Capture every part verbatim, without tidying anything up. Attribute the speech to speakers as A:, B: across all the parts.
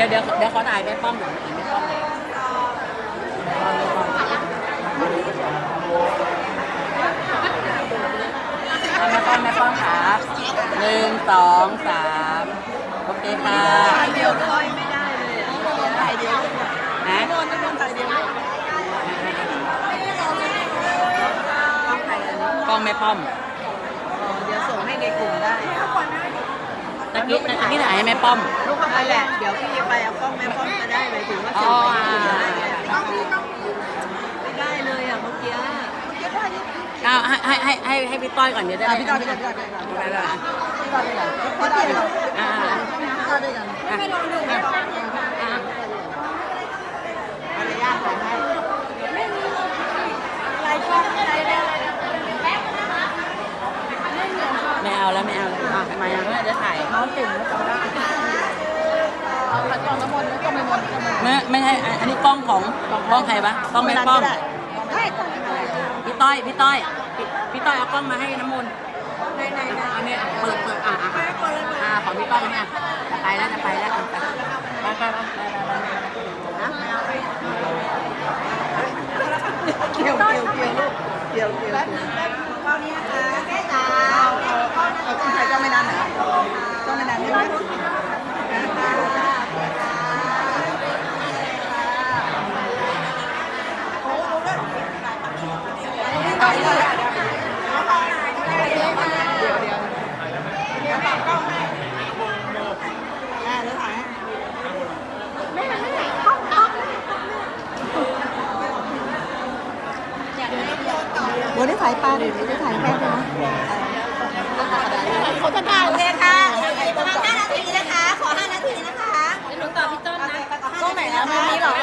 A: ยวเดี๋ยวเดี๋ยวขอถ่ายแม่ป้อมหน่อยแม่ป้อมหน่อยแม่ป้อมแม่ป้อมครับหนึ่งสองสามโอเคค่ะ
B: ถ่ายเดียวเลยไม่ได้เลยอ่ะถ่ายเดียว
A: ฮะ
B: โดนต้องถ่ายเดียว
A: กล้องแม่ป้อม
B: เดี๋ยวส่งให้ในกลุ่มได้
A: ตะกี้ตะกี้ถ่ายให้แม่ป้อม
B: ลูกเข้าไปแหละเดี๋ยวพี่ไปเอากล้องแม่ป้อมมาได้เลยถึงว่าส่งให้กลุ่มได้ไงไม่ได้เลยอ่ะเมื่อกี้
A: เอาให้ให้ให้ให้พี่ต้อยก่อนเดี๋ยวได้
B: พี่ต้อยพี่ต้อยพี่ต้อย
A: ไปเลย
B: พี่ต้อยด้วยกันพี่ต้อยด้วยกัน
A: อ่า
B: พี่ต้อยด้วยกันไม่ลงดูไม่ต้องมารยาทของให้อะไรช่องอะไรได้
A: ไม่เอาแล้วไม่เอาแล้วอ่ะทำไมอ่ะเดี๋ยวถ่าย
B: น้องเก่งแล้วจำได้เอาขัดกล่องน้ำมนต์แล้วก็ไม่มนต์
A: ไม่ไม่ใช่อันนี้กล้องของกล้องใครปะกล้องแม่ป้อม
B: ได้กล่องอะไร
A: พี่ต้อยพี่ต้อยพี่ต้อยเอากล้องมาให้น้ำมนต์
B: ไหนไหนไหน
A: อันนี้เปิดเปิดอ่ะอ่ะอ่ะของพี่ต้อยเนี่ยจะไปแล้วจะไปแล้วไปไปไป
B: นะเกี่ยวเกี่ยวเกี่ยวลูกเกี่ยวเกี่ยวก้อนนี้นะคะแค่ตาเอาต้องใช้เจ้าไม่นานนะเจ้าไม่นานใช่ไหมวันนี้ถ่ายปลาดิวันนี้ถ่ายแค่ใช่ไหมเขาจะได้เลยค่ะประมาณห้านาทีนะคะ ขอห้านาทีนะคะ
A: หนูต่อพี่ต้นนะ
B: กล้องไหนนะไม่มีหรอ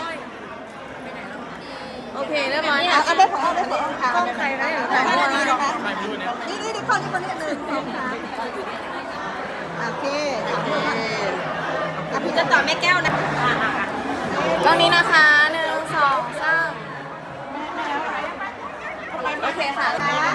A: โอเคเรียบร้อย
B: เอาได้ของเอาได้ของกล้องใครนะถ่ายห้านาทีนะคะนี่นี่นี่ข้อนี้คนนี้หนึ่งสองสามโอเคพี่จะต่อแม่แก้วนะ
A: กล้องนี้นะคะหนึ่งสองสาม
B: โอเคค่ะ